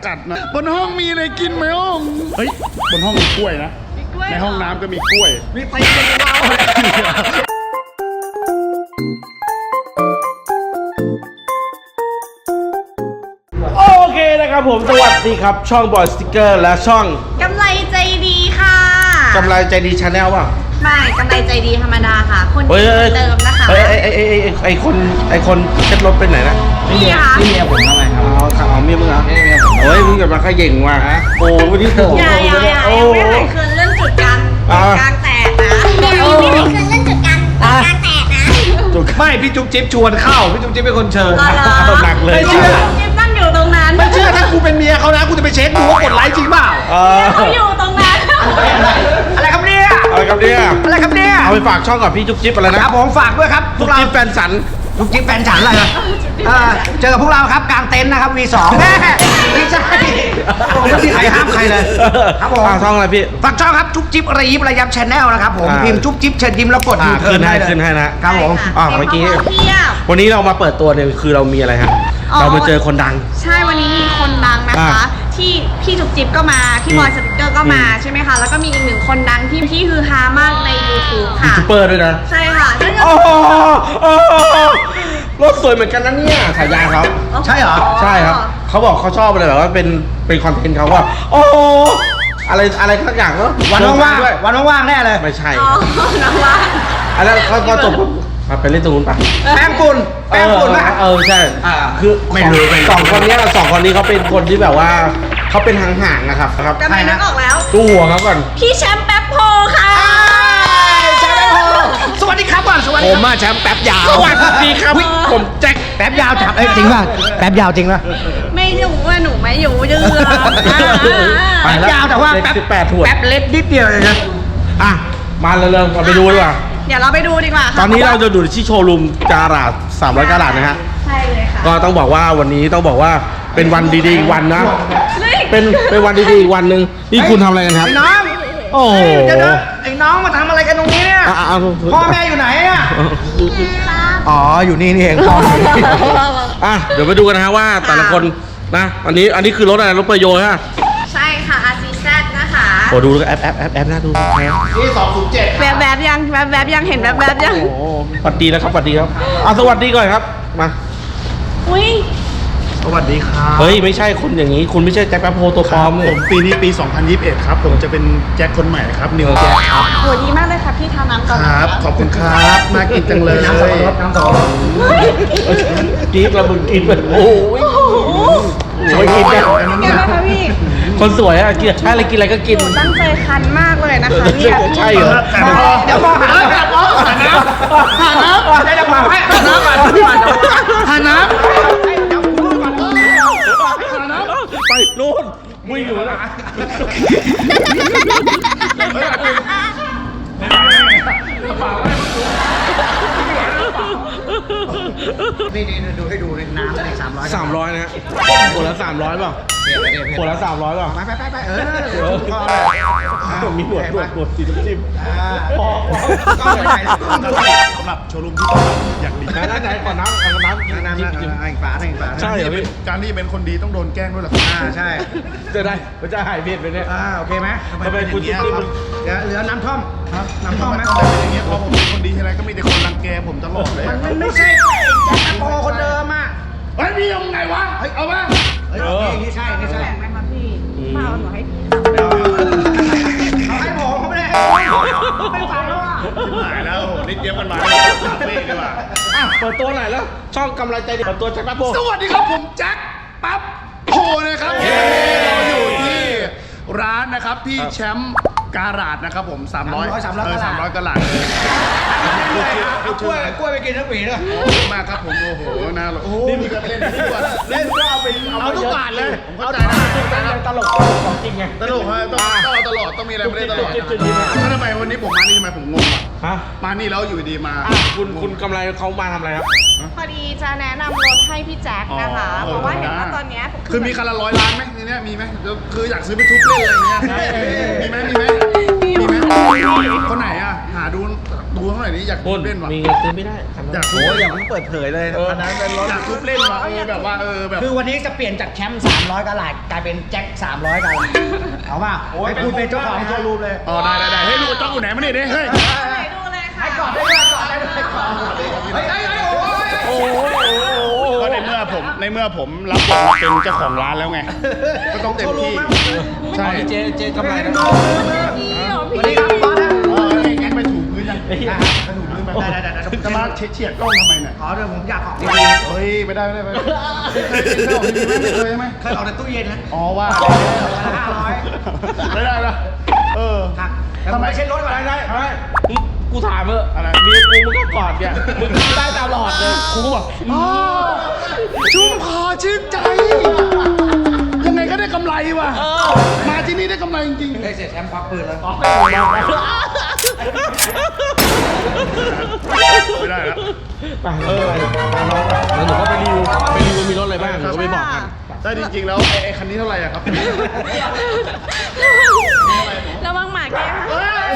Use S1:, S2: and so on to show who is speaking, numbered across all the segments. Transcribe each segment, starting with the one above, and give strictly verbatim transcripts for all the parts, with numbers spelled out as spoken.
S1: กัดนะบนห้องมีอะไรกินไหมห้องเฮ้ยบนห้องมีกล้วยนะในห้องน้ำก็มีกล้วยมีตีกันว้าว
S2: โอเคนะครับผมสวัสดีครับช่องบอยสติ๊กเกอร์และช่อง
S3: กำไรใจดีค่ะ
S2: กำไรใจดีชาแนลป่ะ
S3: ไม่กำไรใจดีธรรมดาค่ะคนดีเติมนะคะ
S2: ไอ้ไอ้ไอ้ไอ้ไอ้คนไอ้คนเช็ดรถไปไหนนะ
S3: นี่ค่ะ
S4: นี่เมียผมทำไมครับ
S2: เอาข่าวเมียมึงเหรอ
S4: นี่เมียผม
S2: เฮ้ยมึงจะมาขย่งว่ะโอ้วันนี้โอ้โห
S3: อย่าอย่าอย่ายังไม่หายคืนเรื่องจุดกลางกลางแตกนะ
S5: ไม่หายคืนเรื่องจุดกลางกลางแตกนะ
S4: ไม่พี่จุ๊บจิ๊บชวนเข้าพี่จุ๊บจิ๊บเป็นคนเชิญ
S2: เอาหนักเลย
S4: ไม่เชื่อ
S3: จิ๊บนั่งอยู่ตรงนั้น
S4: ไม่เชื่อถ้ากูเป็นเมียเขานะกูจะไปเช็คดูว่ากดไลค์จริงเปล่า
S3: เขาอยู่ตรงนั้น
S4: อะไรครับเนี่ย
S2: อะไรครับเนี่ย
S4: อะไรครับเนี่ย
S2: เอาไปฝากช่องกับพี่จุ๊บจิ๊บอะไรนะครับ
S4: ผมฝากด้วยครับพ
S2: จุ๊
S4: ว
S2: บ
S4: กเรา
S2: จิ๊บแฟนสัน
S4: จุ๊บจิ๊บแฟนฉันอะไรนะเออเจอกับพวกเราครับกลางเต็นท์นะครับ วี สอง แม่ไม่ใช่ไม่มีใครห้ามใครเลยครับผม
S2: อ่าช่องอะไรพี่
S4: ฝากช่องครับจุ๊บจิ๊บระยิบระยับชแนลนะครับผม
S2: อ่า
S4: พิมพ์จุ๊บจิ๊บเชิญยิ้มแล้วกด
S2: อ่า
S4: ยูเทิ
S2: ขึ้
S4: ร์
S2: น
S4: น
S2: ให้
S4: ได้เลย
S2: ขึ้นให้นะครับ
S4: ผม
S2: อ่าเมื่อกี้
S3: เพียบ
S2: วันนี้เรามาเปิดตัวเนี่ยคือเรามีอะไรฮะเรามาเจอคนดัง
S3: ใช่วันนี้มีคนดังนะคะ
S2: อ่า
S3: ที่พี่จุ๊บจิ๊บก็มาพี่บอยสติ๊กเกอร์ก็มาใช่ไหมคะแล้วก็มีอีกหนึ่งคนดังที่ที่ฮือฮามากใน ยูทูบ
S2: ยู
S3: ค่ะ
S2: ทูบเบอร์ด้วยนะ
S3: ใช่ค่ะนั่นก็
S2: โอ้โหโอ้โหรถสวยเหมือนกันนะเนี่ยฉายาเขา
S4: ใช่เหรอ
S2: ใช่ครับเขาบอกเขาชอบอะไรแบบว่าเป็นเป็นคอนเทนต์เขาว่า โอ้โหอะไรอะไรทักอย่างเนาะ
S4: วันว่าง
S2: ด้วย
S4: ๆวันว่างๆแน่เลย
S2: ไม่ใช่
S3: อ๋อน้องว่า
S2: อันนั้นเขาพอจบปุ๊บอ่ะไปเล่นตรงนู้นไป
S4: แป้งฝุ่นแป้งฝุ่น
S2: เอ
S4: นะ
S2: อเออใช่
S4: อ่า
S2: คือ
S4: ไม่รู้ไม่รู้
S2: สองคนเนี้ยสองคนนี้เขาเป็นคนที่แบบว่าเขาเป็นห่างๆนะครับครับ
S3: กำลังนึกออกแล้ว
S2: ดูหัวเขาก่อน
S3: พี่แชมป์แป๊บโพค่ะ
S4: ใช่ไหมโอสวัสดีครับก่อนสวัสดี
S2: ผมมาแชมป์แป๊บยาวสวัสดีครับผมแจ็ค
S4: แป๊บยาวจับเอ้ยจริงป่ะแป๊บยาวจริงป่ะ
S3: ไม่อยู่ว่าหนูไม่อยู่ยืน
S4: แป๊บยาวแต่ว่าแป๊บ
S2: สิบแปดถั่ว
S4: แป๊บเล็กนิดเดียวเลยนะ
S2: อ่ะมาเร็วๆเราไปดูดีกว่า
S3: เดี๋ยวเราไปดูดีกว่าค่ะ
S2: ตอนนี้เราจะดูที่โชว์รูมการาดสามร้อยการาดนะฮะ
S3: ใช่เลยค่ะ
S2: ก็ต้องบอกว่าวันนี้ต้องบอกว่าเป็นวันดีๆอีกวันนะ
S3: เฮ้ย
S2: เป็นเป็นวันดีๆอีกวันหนึ่งนี่คุณทำอะไรกันครับ
S4: ไอ้น้อง
S2: โอ้โห
S4: เดี๋ยวนะไอ้น้องมาทำอะไรกันตรงนี้เนี่ย
S2: อ่ะอ่ะ
S4: พ่อแม่อยู่ไหนอ่ะอ๋ออยู่นี่นี่เองพ่อแม่
S2: อ่ะเดี๋ยวไปดูกันนะฮะว่าแต่ละคนนะอันนี้อันนี้คือรถอะไรรถเปอร์โยฮะ
S3: ใช่ค่ะ อาร์ ซี แซด นะคะ
S2: โอ้ดูแอปแอปแอปแอปน่าดู
S1: นี่สองศูนย์เจ็ด
S3: แวบแบบๆยังแวบแบบๆยังเห็นแวบแบบๆยัง
S2: โอ้โหสวัสดีนะครับสวัสดีครับอ่ะสวัสดีก่อนครับมา
S3: อุ้ย
S1: สวัสดีครับ
S2: เฮ้ยไม่ใช่คุณอย่างนี้ คุณไม่ใช่แจ็คแป๊บโพตัวปลอม
S1: ผ
S2: เลย
S1: มปีนี้ปี สองพันยี่สิบเอ็ด ครับ ผมจะเป็นแจ็คคนใหม่ครับ นิวแจ็คครับ
S3: โหดีมากเลยค่ะพี่ทาน้ำก่อน
S1: ครับ ขอบคุณครับ น่ากินจังเลย
S4: น้ำสับปะรดน้ำสับปะรด
S2: กรี๊ดแล้วมึงกรี๊ดไปโอ้ย
S3: โอ้โห
S2: สวยกิน
S3: เป็
S2: เนี่ย
S3: นไงบ้างคะพี่
S2: คนสวยอะกินใช่อะไรกินอะไรก็กิน
S3: หนูตั้งใจคันมากเลยนะคะเนี่ย
S2: ใช่เหรอ
S4: เดี๋ยวพ่อหาน้ำหาน้ำหาน้ำหาน้ำได้จะพาให้หาน้ำก่อนหาน้ำ
S2: ไปโน่นวิ่งอยู่นะ
S4: นี่นี่ดูให้ดูในน้ำในสามร้อย
S2: สามร้อยนะฮะขวดละสามร้อยเปล่าขวดละสามร้อยเปล่า
S4: ไปไปไปไปเออ
S2: มีหนวดหนวดหนวดสีน้ำจิ้ม
S4: พ่อก็ไม่ใช่
S1: สำหรับโชว์รูมที่ต้องอย่างดี
S2: ไหนไหนขอน้ำขอน้ำ
S4: น้ำ
S2: จิ้ม
S4: น้ำ
S2: จิ้ม
S4: น้ำอีกฝาหนึ่งฝา
S2: ใช่เหรอพี่
S1: การที่เป็นคนดีต้องโดนแกล้งด้วยเหรอครับ
S4: อ่าใช่
S2: จะได้มันจะหายเผ็ดไปเนี่ย
S4: อ่าโอเคไหม
S2: ทำไมคุณจิ้มจิ้มมัน
S4: เดี๋ยวเหลือน้ำท่อม
S1: ครับ
S4: น้ำท่อมไหม
S1: ทำไมเป็นอย่างเงี้ยพอผมเป็นคนดีทีไรก็มีแต่คนรังแกผมตลอดเลย
S4: มันไม่ใช่แจ็คโปคนเดิมอ่ะ
S1: เฮ้ยมียังไงวะ เอามา
S4: เฮ้ยนี่ใช่นี่ใช่
S3: แบ่งไหมคะพี่มาเอาหนูให้
S4: เขาให้ผมเขาไม่ได้ไม่ฟังแล้วอ่ะ
S1: หายแล้วโหนี่เตรียมกันมาคาเฟ่ดีกว่า
S2: อ่ะเปิดตัวหน่อยแล้วช่องกำลังใจดีเปิดตัวแจ็คแป๊บโพ
S1: สวัสดีครับผมแจ็คปั๊บโพนะครับเราอยู่ที่ร้านนะครับพี่แชมป์การาดนะครับผมสามร้อย
S4: สามร้อย
S1: เออสามร้อยกะหลัด
S4: เอากล้วยกล้วยไปกินทั้งปีเลย
S1: ขอบคุณมากครับผมโอ้โหน่ารักโอ้โหนี่มีการเล่นทุกวัน
S2: เล่นก็เอาไป
S1: เอาทุกบาทเลยผมเข้าใจนะ
S2: ตลกของจริงไง
S1: ตลกฮะต้องต้องเอาตลอดต้องมีอะไรมาเล่นตลอด
S2: จุดๆๆๆ
S1: แล้วทำไมวันนี้ผมมานี่ทำไมผมงงอ่ะ
S2: ฮะ
S1: มานี่แล้วอยู่ดีมา
S2: อ่ะคุณคุณกำไรเขามาทำอะไรครับ
S3: พอดีจะแนะนำรถให้พี่แจ็คนะคะ เพราะว่าเห็นว่าตอนเนี้ย
S1: คือมีคันละร้อยล้านไหมในเนี้ยมีไหมคืออยากซื้อไปทุบเล่นอะไรเงี้ยมีไหมมีไหมมีไหมคนไหนอ่ะหาดูดูเท่าไหร่นี้อยาก
S2: คุณ
S1: เล่นวะ
S2: มีเงินซื้อไม่ได้คันนั้น
S1: อยาก
S4: โอ้ยอย่าเพิ่งเปิดเผยเลยอันนั้นเป็นรถ
S1: อยากทุบเล่นวะเออแบบว่าเออแบบ
S4: คือวันนี้จะเปลี่ยนจากแชมป์สามร้อยกะหลาดกลายเป็นแจ็คสามร้อยกะหลาดเอาป่ะให้คุณเป็นเจ้าของโชว์รูมเลย
S1: อ๋อได้ได้ได้เฮ้ยลูกกระจอกอยู่ไหนมาเนี่ยเฮ้ย
S3: ไหนดูเลยค่ะ
S4: ให้กอดได้ด้วยกอดได้ด้วยกอดเฮ้ยเฮ้ยเฮ้ยโอ้ย
S1: โอ้โหก็ในเมื่อผมในเมื่อผมรับบทมาเป็นเจ้าของร้านแล้วไงก็ต้องเต็มที่ใช่
S2: เจเจกำไรนะ
S3: พี่เหรอ
S4: ส
S3: พี่
S4: วัสดีครับบอสนะ
S1: เออไอ้แก๊งไปถูพื้นยัง
S4: อ่ะกระดูกลืมไปได้ได้ได้
S1: จะมาเฉียดกล้องทำไมเนี่ย
S4: ขอด้วยผมอยากออกที
S1: เฮ้ยไม่ได้ไม่ได้ไม่ได้เคยเคยไหม
S4: เคยออกในตู้เย็นนะ
S1: อ๋อว่า
S4: ห้าร้อย
S1: ไม่ได้ละเออ
S4: ครับทำไมเช็ดรถก่อนได้ได้
S2: กูถามเถอะ
S1: อะไร
S2: เมียกูมึงก็กอดเนี่ยมึงทำได้ตลอดเลย
S1: ครูบอกอ๋อชุ่มคอชื่นใจ ยังไงก็ได้กำไรว่ะมาที่นี่ได้กำไรจริง
S4: ได้เสร็จแชมป์ควักปืนแล้ว
S1: ๆไม่ได้แล้ว
S2: ไปเออแล้วหนูก็ไปรีวิวไปรีวิวมีรถอะไรบ้างหนูก็ไปบอกกัน
S1: ได้จริงๆแล้วไอ้ไอ้คันนี้เท่าไหร่อะครับ
S3: ระวังหมาแกล้ง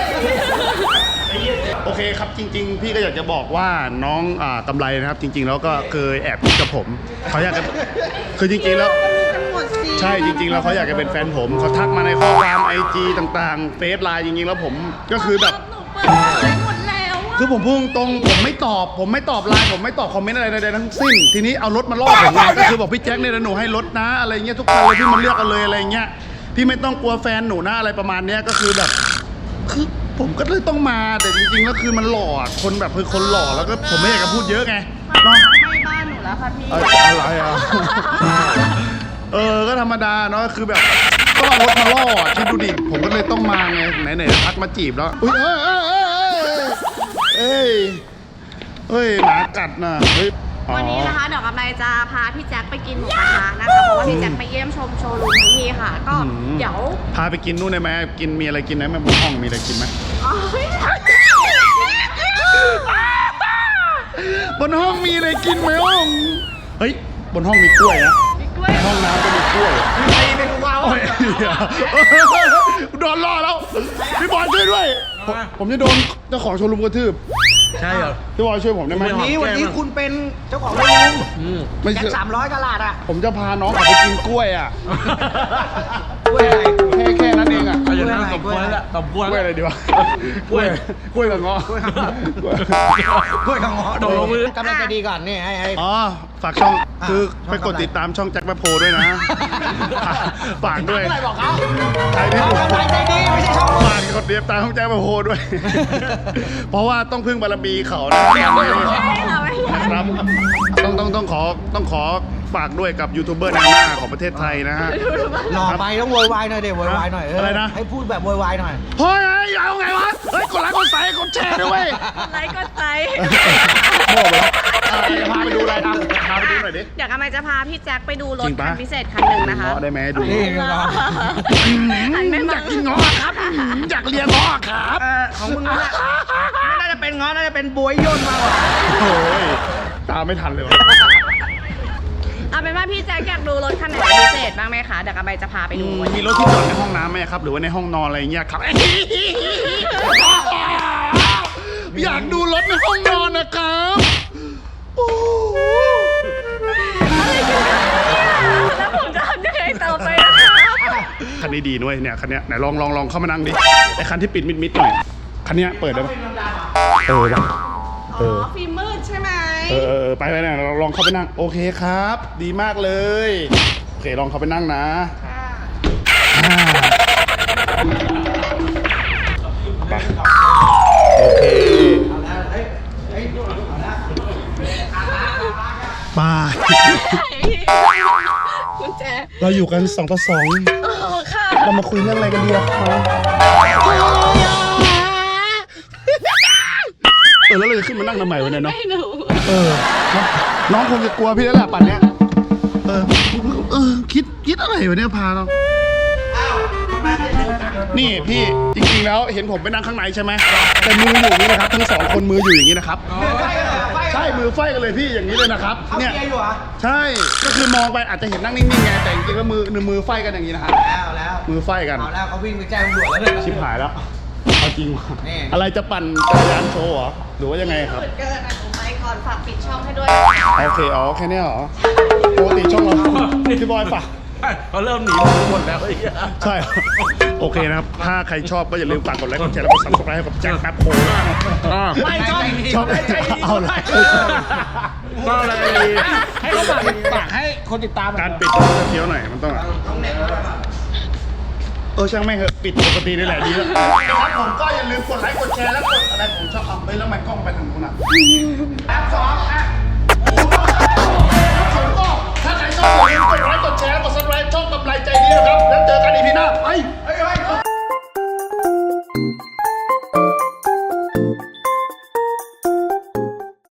S1: โอเคครับจริง ๆ พี่ก็อยากจะบอกว่าน้องอ่ากำไรนะครับจริง ๆ แล้วก็เคยแอบคิดกับผมเขาอยากจะคือจริงๆแล้ว
S3: กันหมดสิ
S1: ใช่จริงๆแล้วเขาอยากจะเป็นแฟนผมเขาทักมาในข้อความไอจีต่างๆเฟซไลน์จริงๆแล้วผมก็คือแบบ
S3: หนูเปิดเผยหมดแล้วอะ
S1: คือผมพูดตรงๆผมไม่ตอบ ผมไม่ตอบไลน์ผมไม่ตอบคอมเมนต์อะไรใดๆทั้งสิ้น ทีนี้เอารถมาล่อผมไงก็คือบอกพี่แจ็คเนี่ยนะหนูให้รถนะอะไรเงี้ยทุกคันเลยพี่มันเลือกเอาเลยอะไรเงี้ยพี่ไม่ต้องกลัวแฟนหนูนะอะไรประมาณเนี้ยก็คือแบบคือผมก็เลยต้องมาแต่จริงๆแล้วคือมันหล่ออะคนแบบคือคนหล่อแล้วก็ผมไม่อยากจะพูดเยอะไง
S3: มา
S1: เนาะ
S3: ไม่บ้านหนูแล้วค่ะพี่
S1: เอออะไรอ่ะ เออ ก็ธรรมดาเนาะ คือแบบต้องเอารถมาล่ออ่ะคิดดูดิ ผมก็เลยต้องมาไง ไหนๆทักมาจีบแล้ว อุ้ยเอ้ยเอ้ยเอ้ยเอ้ยเอ้ยหมากัดน่ะ เฮ้ยอ๋อ
S3: วันนี้นะคะเดี๋ยวกำไรจะพาพี่แจ็คไปกินหมูกระทะนะคะเพราะว่าพี่แจ็คไปเยี่ยมชมโชว์รูมทั้งทีค่ะ ก็เดี๋ยว
S1: พาไปกินนู่นได้ไหมกินมีอะไรกินไหมแม่บนห้องมีอะไรกินไหม
S3: อ๋อบ
S1: นห้องมีอะไรกินไหมห้อง เฮ้ย บนห้องมีกล้วยนะ
S3: มีกล้วย
S1: ห้องน้ำก็มีกล้วย
S4: ใครเป็นกูว้าว
S1: โอ้ยโดนล่อแล้ว พี่บอลช่วยด้วย ผมผมจะโดนเจ้าของโชว์รูมกระทืบ
S2: ใช่เหรอ
S1: พี่บอลช่วยผมได้ไหม
S4: วันนี้วันนี้คุณเป็นเจ้าของโรง
S2: อืม
S1: ไม่
S4: แจ็ค
S1: ใช่
S4: สามร้อยกะหลาดอ่ะ
S1: ผมจะพาน้องเขาไปกินกล้วยอ่ะ
S4: กล้วยอะไร
S1: แค่แค่นั้นเองอ่ะ
S2: เอาอย่างนั้นสมควรแล้วสมควร
S1: กล้วย
S2: แล้ว
S1: อะไรดีวะ
S2: กล้วย
S1: กล้วยกับเงาะ
S4: กล้วยกับเงาะ
S1: กล้วย
S4: กล้วยกับเงาะ
S2: ตกลงมือ
S4: กำลังใจดีก่อนนี่ให้ให้
S1: อ๋อ ฝากช่อง
S4: อ่ะ
S1: คือ
S4: ช่อง
S1: ไปกด
S4: อะไร
S1: ติดตามช่องแจ็คแมคโพด้วยนะ ฝากด้วย
S4: อะไรบอกเขา
S1: ใครที่
S4: เอากำลังใจดีไม่ใช่ช่อง
S1: ฝากกดติดตามช่องแจ็คแมคโพด้วย เพราะว่าต้องพึ่งบารมีเขานะ
S3: ไม่เราไม่ใช่
S1: ครับต้องต้องต้องขอต้องขอฝากด้วยกับยูทูบเบอร์แนวหน้าของประเทศไทยนะฮะ
S4: หล่อไปต้องโวยวายหน่อยเดี๋ยวโวยวายหน่อยเ
S1: อะไรนะ
S4: ให้พูดแบบโวยวายหน่อย
S1: เฮ้ยเอาไงวะ เฮ้ย กดไลค์กดไลค์กดแชร์ด้วยเวย
S3: ไลค์กดใจ
S1: โม่ไปแล้วเออพาไปดูอะไรนะพาไปดูหน่อยดิ
S3: เดี๋ยวกำลังจะพาพี่แจ็คไปดูร
S1: จ
S3: ถ
S1: ริงปะ
S3: คันพิเศษคันหนึ่งนะคะ
S1: เงาะได้ไหมดู
S4: นี่
S3: หันไปม
S1: อยากกินเงาะครับอยากเรียนเงาะครับ
S4: เออของมึงนั่นแหละไม่น่าจะเป็นง้อน่าจะเป็นบวยย่นมากกว่า
S1: โอ้ยตามไม่ทันเลยวะ
S3: เอาเป็นว่าพี่แจ็คอยากดูรถคันไหนเป็นพิเศษบ้างไหมคะเดี๋ยวกำลังจะพาไปดูวัน
S1: มี
S3: นี้
S1: รถที่จอดในห้องน้ำไหมครับ หรือว่าในห้องนอนอะไรอย่างเงี้ยครับ อยากดูรถในห้องนอนนะครับโอ้
S3: แล้วผมจะทำยังไงต่อไปนะคะ
S1: คันนี้ดีด้วยเนี่ยคันเนี้ยไหนลองลองลองเข้ามานั่งดิไอคันที่ปิดมิดมิดๆหน่อยคันเนี้ยเปิดได้ปะเออว่ะ
S3: อ๋อฟิล์มมืดใช่ไหม
S1: เออเออเออไปไปเนี่ยเราลองเข้าไปนั่งโอเคครับ ดีมากเลยโอเคลองเข้าไปนั่งนะ
S3: ค่ะ
S1: อ่าไปโอเคไป
S3: กุญแจ
S1: เราอยู่กันสองต่อสอง
S3: อ๋อค่ะ
S1: เรามาคุยเรื่องอะไรกันดีอะครับเออแล้วเราจะขึ้นมานั่งทำไมวะเนี่ยเนาะ
S3: ไม่หนู
S1: เออน้องคงจะกลัวพี่แล้วแหละป่านเนี้ยเออเออคิดคิดอะไรวะเนี่ยพาเรานี่พี่จริงๆแล้วเห็นผมไปนั่งข้างในใช่ไหมแต่มืออยู่อย่างนี้นะครับทั้งสองคนมืออยู่อย่างนี้นะครับใช่มือไฟกันเลยพี่อย่างนี้เลยนะครับ
S4: เขา
S1: เนี่ย
S4: เกียร์อยู่เหรอ
S1: ใช่ก็คือมองไปอาจจะเห็นนั่งนิ่งๆไงแต่จริงๆแล้วมือมือไฟกันอย่างนี้นะครับ
S4: แล้วแล้ว
S1: มือไฟกัน
S4: เอาแล้วเขาวิ่งไปแจ้งตำรวจแล้วเนี่ย
S1: ชิบหายแล้วเอาเอาจริงว่ะอะไรจะปั่นจักรยานโชว์เหรอหรือว่ายังไงครับ
S3: เกินอ่ะหนูไปก่อนฝากปิดช่องให้ด้วย
S1: โอเคอ๋อแค่เนี้ยเหรอปกติช่องเราพี่บอยฝาก
S2: เขาเริ่มหนีผมหมดแล้วไอ้เหี้ย
S1: ใช่ โอเคนะครับ ถ้าใครชอบก็อย่าลืมฝากกดไลค์กดแชร์แล้วกดซับสไครต์ให้กับแจ็คแป๊บโพล
S2: ไม่ชอบ
S1: ชอบเอาเลย
S2: ก็อะไร
S4: ให้เขาฝากฝากให้คนติดตาม
S1: การปิดต้องเคี้ยวหน่อยมันต้องเออช่างแม่งเหอะปิดปกตินี่แหละดีแล้วครับผมก็อย่าลืมกดไลค์กดแชร์แล้วกดอะไรผมชอบเอาไปแล้วมันกล้องไปทางนู้นอ่ะแอปสองอ่ะผมก็ถ้าใครชอบอย่าลืมกดไลค์กดแชร์แล้วกดซับสไครต์ช่องกำไรใจดีนะครับแล้วเจอกันอีพีหน้าไป